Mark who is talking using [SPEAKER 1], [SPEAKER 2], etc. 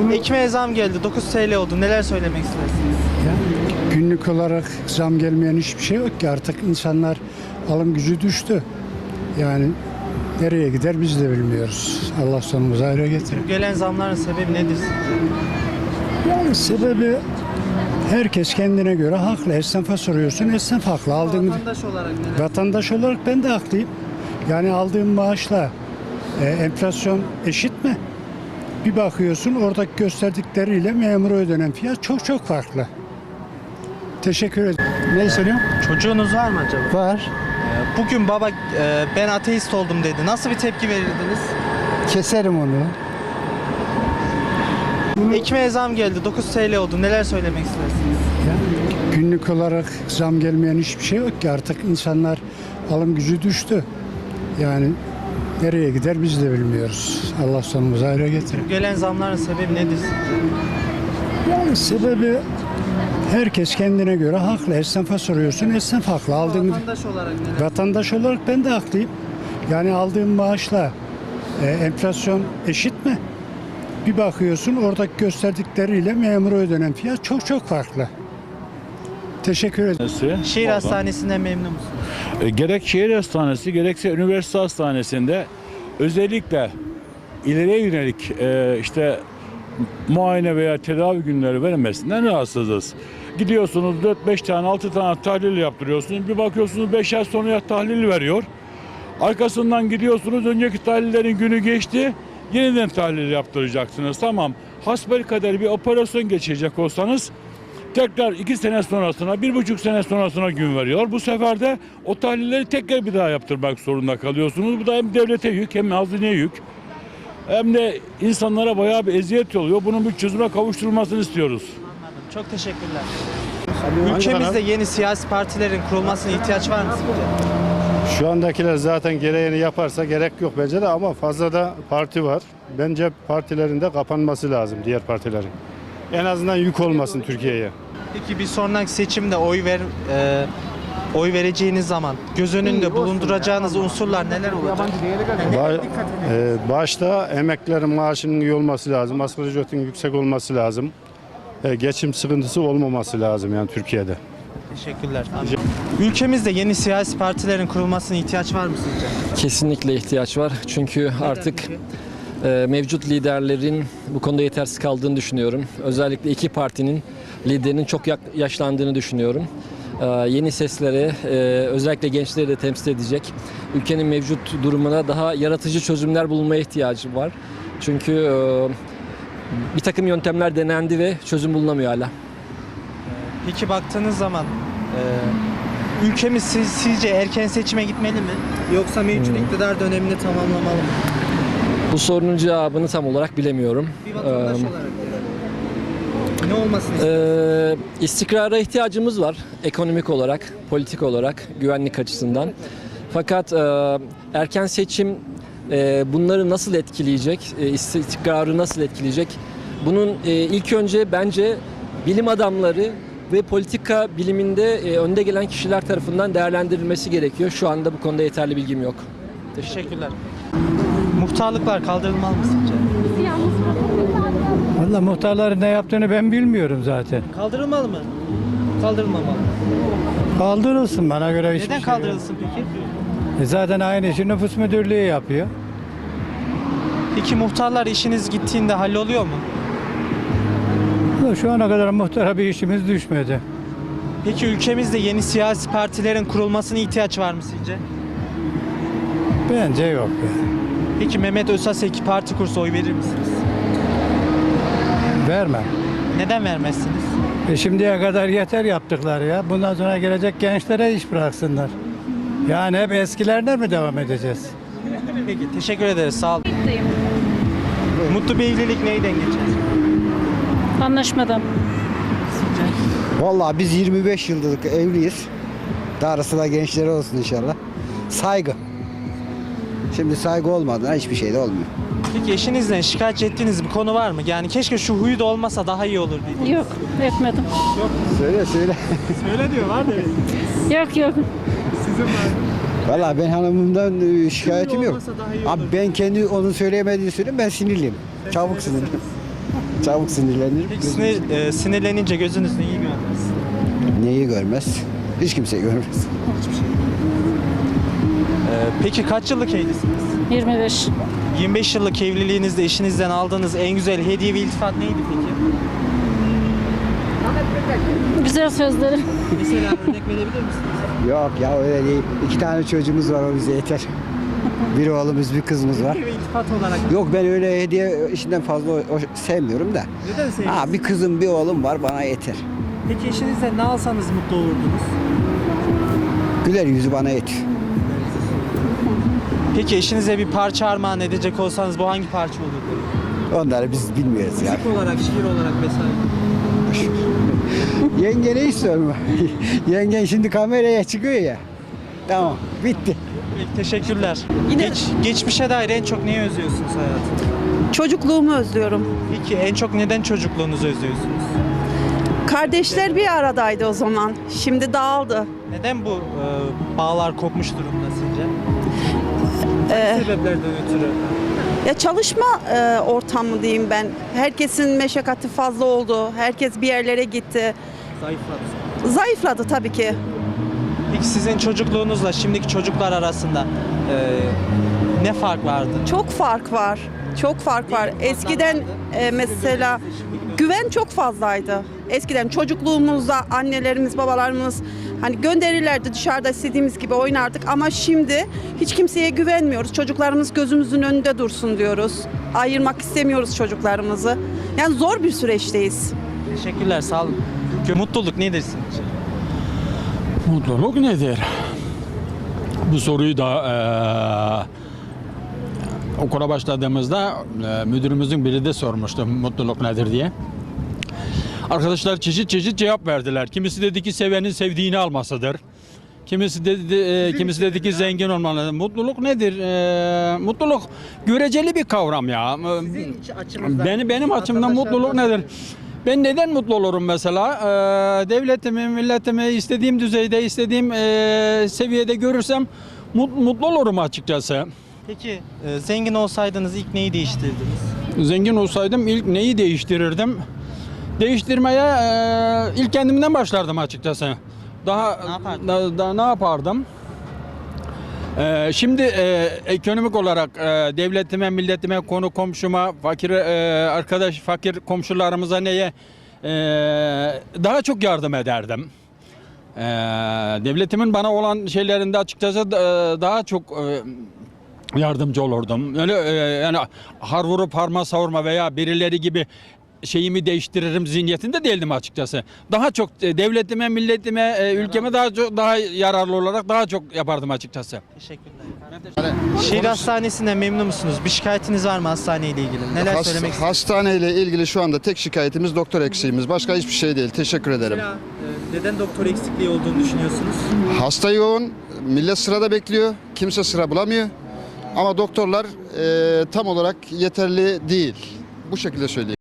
[SPEAKER 1] Ekmeğe zam geldi. 9 TL oldu. Neler söylemek istersiniz?
[SPEAKER 2] Günlük olarak zam gelmeyen hiçbir şey yok ki. Artık insanlar alım gücü düştü. Yani nereye gider biz de bilmiyoruz. Allah sonumuzu hayra getirir.
[SPEAKER 1] Bu gelen zamların sebebi nedir sizce?
[SPEAKER 2] Yani sebebi herkes kendine göre haklı. Esnafa soruyorsun, esnaf haklı.
[SPEAKER 1] Vatandaş olarak neler?
[SPEAKER 2] Vatandaş olarak ben de haklıyım. Yani aldığım maaşla enflasyon eşit mi? Bir bakıyorsun oradaki gösterdikleriyle memura ödenen fiyat çok çok farklı. Teşekkür ederim. Ne söylüyorsun?
[SPEAKER 1] Çocuğunuz var mı acaba?
[SPEAKER 2] Var.
[SPEAKER 1] Bugün baba ben ateist oldum dedi. Nasıl bir tepki verirdiniz?
[SPEAKER 2] Keserim onu.
[SPEAKER 1] Ekmeğe zam geldi. 9 TL oldu. Neler söylemek istersiniz?
[SPEAKER 2] Günlük olarak zam gelmeyen hiçbir şey yok ki. Artık insanlar alım gücü düştü. Yani nereye gider biz de bilmiyoruz. Allah sonumuzu hayra getirir.
[SPEAKER 1] Bu gelen zamların sebebi nedir sizce?
[SPEAKER 2] Yani sebebi herkes kendine göre haklı. Esnafa soruyorsun, esnaf haklı.
[SPEAKER 1] Vatandaş olarak neler?
[SPEAKER 2] Vatandaş olarak ben de haklıyım. Yani aldığım maaşla enflasyon eşit mi? Bir bakıyorsun oradaki gösterdikleriyle memura ödenen fiyat çok çok farklı. Teşekkür ederim.
[SPEAKER 1] Şehir hastanesinden memnun musunuz?
[SPEAKER 3] Gerek şehir hastanesi gerekse üniversite hastanesinde özellikle ileriye yönelik işte muayene veya tedavi günleri verilmesinden rahatsızız. Gidiyorsunuz 4-5 tane 6 tane tahlil yaptırıyorsunuz. Bir bakıyorsunuz 5 ay sonra tahlil veriyor. Arkasından gidiyorsunuz önceki tahlillerin günü geçti. Yeniden tahlil yaptıracaksınız. Tamam. Hasbelkader bir operasyon geçirecek olsanız tekrar 2 sene sonrasına, 1,5 sene sonrasına gün veriyor. Bu sefer de o tahlilleri tekrar bir daha yaptırmak zorunda kalıyorsunuz. Bu da hem devlete yük hem hazineye yük. Hem de insanlara bayağı bir eziyet oluyor. Bunun bir çözüme kavuşturulmasını istiyoruz.
[SPEAKER 1] Anladım. Çok teşekkürler. Ülkemizde yeni siyasi partilerin kurulmasına ihtiyaç var mı sizce?
[SPEAKER 4] Şu andakiler zaten gereğini yaparsa gerek yok bence de ama fazla da parti var. Bence partilerin de kapanması lazım, diğer partilerin. En azından yük olmasın Türkiye'ye.
[SPEAKER 1] Peki bir sonraki seçimde oy vereceğiniz zaman göz önünde bulunduracağınız unsurlar neler olacak?
[SPEAKER 4] Başta emeklilerin maaşının iyi olması lazım, asgari ücretin yüksek olması lazım. Geçim sıkıntısı olmaması lazım yani Türkiye'de.
[SPEAKER 1] Teşekkürler. Ülkemizde yeni siyasi partilerin kurulmasına ihtiyaç var mı sizce?
[SPEAKER 5] Kesinlikle ihtiyaç var. Çünkü artık mevcut liderlerin bu konuda yetersiz kaldığını düşünüyorum. Özellikle iki partinin liderinin çok yaşlandığını düşünüyorum. Yeni seslere, özellikle gençleri de temsil edecek, ülkenin mevcut durumuna daha yaratıcı çözümler bulunmaya ihtiyacı var. Çünkü bir takım yöntemler denendi ve çözüm bulunamıyor hala.
[SPEAKER 1] Peki baktığınız zaman ülkemiz sizce erken seçime gitmeli mi? Yoksa mevcut iktidar dönemini tamamlamalı mı?
[SPEAKER 5] Bu sorunun cevabını tam olarak bilemiyorum.
[SPEAKER 1] Bir vatandaş olarak ne olmasını istiyorsunuz?
[SPEAKER 5] İstikrara ihtiyacımız var ekonomik olarak, politik olarak, güvenlik açısından. Fakat erken seçim bunları nasıl etkileyecek, istikrarı nasıl etkileyecek? Bunun ilk önce bence bilim adamları ve politika biliminde önde gelen kişiler tarafından değerlendirilmesi gerekiyor. Şu anda bu konuda yeterli bilgim yok.
[SPEAKER 1] Teşekkürler. Muhtarlıklar kaldırılmalı mı sizce?
[SPEAKER 6] Valla muhtarların ne yaptığını ben bilmiyorum zaten.
[SPEAKER 1] Kaldırılmalı mı? Kaldırılmamalı mı?
[SPEAKER 6] Kaldırılsın bana göre hiçbir
[SPEAKER 1] Neden
[SPEAKER 6] şey yok.
[SPEAKER 1] kaldırılsın peki?
[SPEAKER 6] Zaten aynı işi nüfus müdürlüğü yapıyor.
[SPEAKER 1] Peki muhtarlar işiniz gittiğinde halloluyor mu?
[SPEAKER 6] Şu ana kadar muhtara bir işimiz düşmedi.
[SPEAKER 1] Peki ülkemizde yeni siyasi partilerin kurulmasına ihtiyaç var mı sizce?
[SPEAKER 6] Bence yok yani.
[SPEAKER 1] Peki Mehmet Özaseki parti kursa oy verir misiniz?
[SPEAKER 6] Vermem.
[SPEAKER 1] Neden vermezsiniz?
[SPEAKER 6] Şimdiye kadar yeter yaptıkları ya. Bundan sonra gelecek gençlere iş bıraksınlar. Yani hep eskilerden mi devam edeceğiz?
[SPEAKER 1] Peki teşekkür ederiz sağ olun. Mutlu bir evlilik neyden geçer?
[SPEAKER 7] Anlaşmadan.
[SPEAKER 8] Vallahi biz 25 yıldır evliyiz. Darısı da gençlere olsun inşallah. Saygı. Şimdi saygı olmadan hiçbir şey de olmuyor.
[SPEAKER 1] Peki eşinizle şikayet ettiğiniz bir konu var mı? Yani keşke şu huyu da olmasa daha iyi olur diye.
[SPEAKER 7] Yok, etmedim.
[SPEAKER 8] Söyle.
[SPEAKER 1] Öyle diyor var mı?
[SPEAKER 7] Yok.
[SPEAKER 1] Sizin var mı?
[SPEAKER 8] Vallahi ben hanımımdan şikayetim yok.
[SPEAKER 1] olmasa daha iyi
[SPEAKER 8] Abi
[SPEAKER 1] olur.
[SPEAKER 8] ben kendi onun söyleyemediğini söyleyeyim, ben sinirliyim. Çabuk sinirliyim. Çabuk sinirlenir.
[SPEAKER 1] Peki sinirlenince gözünüz neyi görmez?
[SPEAKER 8] Neyi görmez? Hiç kimse görmez.
[SPEAKER 1] Peki kaç yıllık evlisiniz?
[SPEAKER 7] 25.
[SPEAKER 1] 25 yıllık evliliğinizde eşinizden aldığınız en güzel hediye ve iltifat neydi peki?
[SPEAKER 7] Güzel sözleri.
[SPEAKER 1] Mesela örnek verebilir misiniz?
[SPEAKER 8] Yok ya öyle değil. 2 tane çocuğumuz var, o bize yeter. Bir oğlumuz, bir kızımız var.
[SPEAKER 1] Hediye ve iltifat olarak.
[SPEAKER 8] Yok, ben öyle hediye işinden fazla sevmiyorum da.
[SPEAKER 1] Neden sevmiyorsunuz?
[SPEAKER 8] Bir kızım, bir oğlum var, bana yeter.
[SPEAKER 1] Peki eşinizle ne alsanız mutlu olurdunuz?
[SPEAKER 8] Güler yüzü bana yeter.
[SPEAKER 1] Peki eşinize bir parça armağan edecek olsanız bu hangi parça olurdu?
[SPEAKER 8] Onları biz bilmiyoruz ya.
[SPEAKER 1] Müzik olarak, şiir olarak vesaire.
[SPEAKER 8] Yenge ne istiyorum? Yengen şimdi kameraya çıkıyor ya. Tamam, bitti.
[SPEAKER 1] Peki, teşekkürler. Geçmişe dair en çok neyi özlüyorsunuz hayatınızda?
[SPEAKER 9] Çocukluğumu özlüyorum.
[SPEAKER 1] Peki en çok neden çocukluğunuzu özlüyorsunuz?
[SPEAKER 9] Kardeşler bir aradaydı o zaman. Şimdi dağıldı.
[SPEAKER 1] Neden bu bağlar kopmuş durumda sizce? Hangi sebeplerden ötürü?
[SPEAKER 9] Ya çalışma ortamı diyeyim ben. Herkesin meşakkatı fazla oldu. Herkes bir yerlere gitti.
[SPEAKER 1] Zayıfladı.
[SPEAKER 9] Zayıfladı tabii ki.
[SPEAKER 1] Peki sizin çocukluğunuzla şimdiki çocuklar arasında ne fark vardı?
[SPEAKER 9] Çok fark var. Çok fark var. Eskiden mesela güven çok fazlaydı. Eskiden çocukluğumuzda annelerimiz, babalarımız hani gönderirlerdi, dışarıda istediğimiz gibi oynardık ama şimdi hiç kimseye güvenmiyoruz. Çocuklarımız gözümüzün önünde dursun diyoruz. Ayırmak istemiyoruz çocuklarımızı. Yani zor bir süreçteyiz.
[SPEAKER 1] Teşekkürler, sağ olun. Mutluluk nedir sizce?
[SPEAKER 10] Mutluluk nedir? Bu soruyu da okula başladığımızda müdürümüzün biri de sormuştu mutluluk nedir diye. Arkadaşlar çeşit çeşit cevap verdiler. Kimisi dedi ki sevenin sevdiğini almasıdır. Kimisi dedi ki zengin olmalı. Mutluluk nedir? Mutluluk göreceli bir kavram ya. Benim açımdan mutluluk nedir? Ben neden mutlu olurum mesela? Devletimi, milletimi istediğim düzeyde, istediğim seviyede görürsem mutlu olurum açıkçası.
[SPEAKER 1] Peki zengin olsaydınız ilk neyi değiştirirdiniz?
[SPEAKER 10] Zengin olsaydım ilk neyi değiştirirdim? Değiştirmeye ilk kendimden başlardım açıkçası. Ne yapardım? Şimdi ekonomik olarak devletime, milletime, konu komşuma, fakir komşularımıza daha çok yardım ederdim. Devletimin bana olan şeylerinde açıkçası daha çok yardımcı olurdum. Öyle yani har vurup harma savurma veya birileri gibi şeyimi değiştiririm zihniyetinde değildim açıkçası. Daha çok devletime, milletime, ülkeme daha yararlı olarak daha çok yapardım açıkçası.
[SPEAKER 1] Teşekkürler. Şehir hastanesinden memnun musunuz? Bir şikayetiniz var mı hastaneyle ilgili? Neler söylemek istersiniz?
[SPEAKER 11] Hastaneyle ilgili şu anda tek şikayetimiz doktor eksiğimiz. Başka hiçbir şey değil. Teşekkür ederim.
[SPEAKER 1] Mesela, neden doktor eksikliği olduğunu düşünüyorsunuz?
[SPEAKER 11] Hasta yoğun, millet sırada bekliyor. Kimse sıra bulamıyor. Ama doktorlar tam olarak yeterli değil. Bu şekilde söyleyeyim.